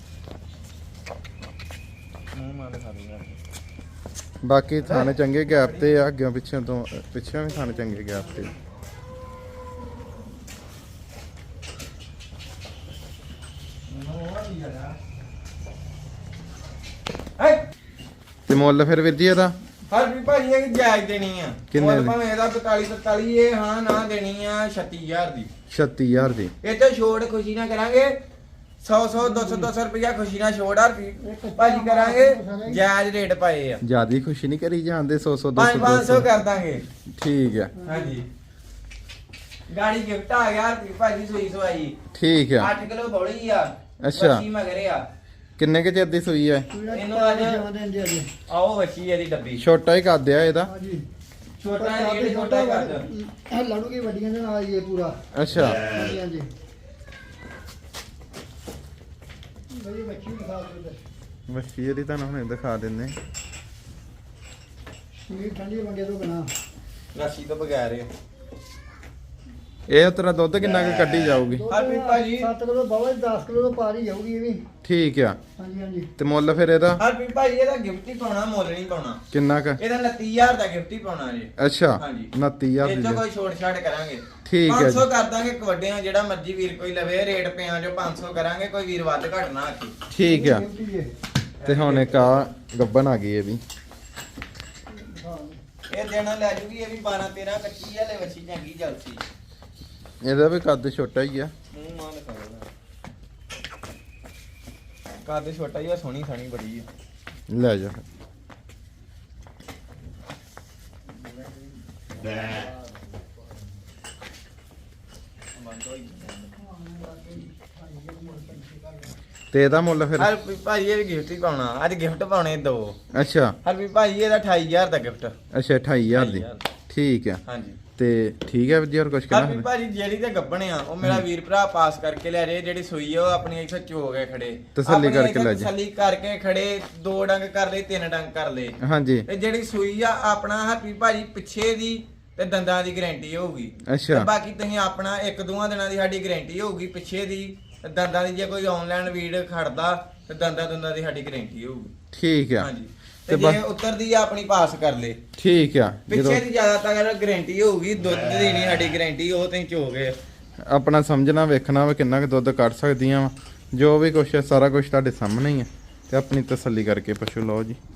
ਮੂੰਹ ਮਾਰ ਖਾ ਲੂਗਾ। ਬਾਕੀ ਥਾਣੇ ਚੰਗੇ ਗੈਪ ਤੇ ਆ, ਅੱਗੇ ਪਿੱਛੇ ਤੋਂ ਪਿੱਛੇ ਵੀ ਥਾਣੇ ਚੰਗੇ ਗੈਪ ਤੇ। ਤੇ ਮੁੱਲ ਫਿਰ ਵੀਰ ਜੀ ਇਹਦਾ ਹਰ ਵੀ ਭਾਜੀ ਇਹ ਜਾਇਜ਼ ਦੇਣੀ ਆ। ਕਿੰਨੇ ਮੁੱਲ ਦੀ? ਭਾਵੇਂ ਇਹਦਾ 45 ਇਹ ਹਾਂ ਨਾ ਦੇਣੀ ਆ 36000 ਦੀ। 36000 ਦੀ। ਇਹ ਤੇ ਛੋੜ ਖੁਸ਼ੀ ਨਾਲ ਕਰਾਂਗੇ 100 200 ਰੁਪਇਆ ਖੁਸ਼ੀ ਨਾਲ ਛੋੜ ਆ ਭਾਜੀ ਕਰਾਂਗੇ, ਜਾਇਜ਼ ਰੇਟ ਪਾਏ ਆ। ਜਿਆਦੀ ਖੁਸ਼ੀ ਨਹੀਂ ਕਰੀ ਜਾਂਦੇ 100 200 500 ਕਰ ਦਾਂਗੇ। ਠੀਕ ਆ ਹਾਂਜੀ ਗਾੜੀ ਗਿਫਟ ਆ ਗਿਆ ਭਾਜੀ ਸੂਈ ਸਵਾਈ ਠੀਕ ਆ 8 ਕਿਲੋ ਬੋਲੀ ਆ। ਅੱਛਾ। ਵੱਛੀ ਮਗਰੇ ਆ। ਕਿੰਨੇ ਕੇ ਚਿਰ ਦੀ ਸੂਈ ਹੈ? ਇਹਨੂੰ ਅੱਜ ਆਓ ਵੱਛੀ ਇਹਦੀ ਡੱਬੀ ਛੋਟਾ ਹੀ ਕੱਦ ਆ ਇਹਦਾ। ਹਾਂਜੀ ਛੋਟਾ ਰੇਟ ਛੋਟਾ ਹੀ ਕਰ ਇਹ ਲੜੂਗੀ ਵੱਡੀਆਂ ਦੇ ਨਾਲ ਹੀ ਇਹ ਪੂਰਾ। ਅੱਛਾ ਹਾਂਜੀ ਹਾਂਜੀ ਬਈ ਬੱਚੀ ਦਿਖਾ ਦਿਓ। ਮੱਛੀ ਇਹਦੀ ਤੁਹਾਨੂੰ ਹੁਣੇ ਦਿਖਾ ਦਿੰਨੇ। ਸਰੀਰ ਠੰਡੀ ਮੰਗੇ ਤੋਂ ਬਿਨਾ। ਲੱਸੀ ਤੋਂ ਬਗੈਰ ਆ। ਇਹ ਤੇਰਾ ਦੁੱਧ ਕਿੰਨਾ ਕੁ ਕੱਢੀ ਜਾਊਗੀ? ਹਰਪ੍ਰੀਤ ਭਾਜੀ 7 ਕਿਲੋ ਬਾਵਾ 10 ਕਿਲੋ ਤੋਂ ਪਾਰ ਹੀ ਜਾਊਗੀ ਇਹ ਵੀ। ਠੀਕ ਆ ਹਾਂਜੀ ਹਾਂਜੀ ਤੇ ਮੁੱਲ ਫਿਰ ਇਹਦਾ ਹਰਪ੍ਰੀਤ ਭਾਜੀ ਇਹਦਾ ਗਿਫਟ ਹੀ ਪਾਉਣਾ, ਮੁੱਲ ਨਹੀਂ ਪਾਉਣਾ। ਕਿੰਨਾ ਕ? ਇਹਦਾ 29000 ਦਾ ਗਿਫਟ ਹੀ ਪਾਉਣਾ ਜੀ। ਅੱਛਾ ਹਾਂਜੀ। 29000 ਇਹ ਦੀ ਤੋਂ ਦੇ। ਕੋਈ ਛੋਟ ਛਾਟ ਕਰਾਂਗੇ। ਠੀਕ ਹੈ 500 ਜੀ। ਕਰ ਦਾਂਗੇ ਕਵੱਡਿਆਂ, ਜਿਹੜਾ ਮਰਜ਼ੀ ਵੀਰ ਕੋਈ ਲਵੇ ਰੇਟ ਪਿਆਂ ਜੋ 500 ਕਰਾਂਗੇ, ਕੋਈ ਵੀਰ ਵੱਧ ਘੱਟ ਨਾ ਆਖੀ। ਠੀਕ ਆ ਗਿਫਟ ਹੀ ਹੈ। ਤੇ ਹੁਣ ਇੱਕ ਆ ਗੱਬਨ ਆ ਗਈ ਇਹ ਵੀ। ਇਹ ਦੇਣਾ ਲੈ ਜੂਗੀ, ਇਹ ਵੀ 12 13 ਕੱਚੀ ਆ, ਲੈ ਵੱਛੀ ਚੰਗੀ ਜਲਸੀ। ਇਹਦਾ ਵੀ ਕੱਦ ਛੋਟਾ ਹੀ ਆ। ਮੂੰਹ ਮਾਂ ਦਿਖਾ ਕੱਦ ਛੋਟਾ ਹੀ ਆ, ਸੋਹਣੀ ਸਾਣੀ ਬੜੀ ਆ। ਲੈ ਜਾ ਤੇ ਇਹਦਾ ਮੁੱਲ ਫਿਰ? ਹਰ ਭਾਜੀ ਇਹ ਵੀ ਗਿਫਟ ਹੀ ਪਾਉਣਾ, ਅੱਜ ਗਿਫਟ ਪਾਉਣੇ ਦੋ। ਅੱਛਾ ਹਰ ਭਾਜੀ ਇਹਦਾ 28000 ਦਾ ਗਿਫਟ। ਅੱਛਾ 28000 ਦੀ। ਠੀਕ ਆ ਹਾਂਜੀ ਤੇ ਠੀਕ ਹੈ ਜੀ। ਹੋਰ ਕੁਝ ਹਰ ਕਹਿਣਾ? ਭਾਜੀ ਜਿਹੜੀ ਤੇ ਗੱਬਣੇ ਆ ਉਹ ਮੇਰਾ ਵੀਰ ਭਰਾ ਪਾਸ ਕਰਕੇ ਲੈ ਰਹੇ, ਜਿਹੜੀ ਸੂਈ ਆ ਉਹ ਆਪਣੀ ਇੱਥੇ ਚੋ ਕੇ ਖੜੇ, ਤਸੱਲੀ ਆਪਣੀ ਕਰਕੇ ਇੱਥੇ ਲੈ ਜਾ। ਤਸੱਲੀ ਕਰਕੇ ਖੜੇ, 2 ਡੰਗ ਕਰ ਲਏ 3 ਡੰਗ ਕਰ ਲਏ। ਹਾਂਜੀ ਤੇ ਜਿਹੜੀ ਸੂਈ ਆ ਆਪਣਾ ਹਰਪੀ ਭਾਜੀ ਪਿੱਛੇ ਦੀ ਤੇ ਦੰਦਾਂ ਦੀ ਗਾਰੰਟੀ ਹੋਊਗੀ। ਅੱਛਾ। ਤੇ ਬਾਕੀ ਤੁਸੀਂ ਆਪਣਾ 1-2 ਦਿਨਾਂ ਦੀ ਸਾਡੀ ਗਾਰੰਟੀ ਹੋਊਗੀ ਪਿੱਛੇ ਦੀ ਤੇ ਦੰਦਾਂ ਦੀ। ਜੇ ਕੋਈ ਆਨਲਾਈਨ ਵੀਡ ਖੜਦਾ ਤੇ ਦੰਦਾਂ ਦੀ ਸਾਡੀ ਗਾਰੰਟੀ ਹੋਊਗੀ। ਠੀਕ ਆ ਹਾਂਜੀ ਤੇ ਤੇ ਜੇ ਉਤਰਦੀ ਆ ਆਪਣੀ ਪਾਸ ਕਰ ਲੇ। ਠੀਕ ਆ ਪਿੱਛੇ ਦੀ ਜ਼ਿਆਦਾਤਰ ਗਾਰੰਟੀ ਹੋਊਗੀ, ਦੁੱਧ ਦੀ ਨਹੀਂ ਸਾਡੀ ਗਾਰੰਟੀ, ਉਹ ਤੁਸੀਂ ਚੋ ਗਏ। ਆਪਣਾ ਸਮਝਣਾ ਵੇਖਣਾ ਵਾ ਕਿੰਨਾ ਕੁ ਦੁੱਧ ਕੱਢ ਸਕਦੀਆਂ ਵਾ, ਜੋ ਵੀ ਕੁਛ ਹੈ ਸਾਰਾ ਕੁਝ ਤੁਹਾਡੇ ਸਾਹਮਣੇ ਹੀ ਹੈ ਤੇ ਆਪਣੀ ਤਸੱਲੀ ਕਰਕੇ ਪਸ਼ੂ ਲਓ ਜੀ।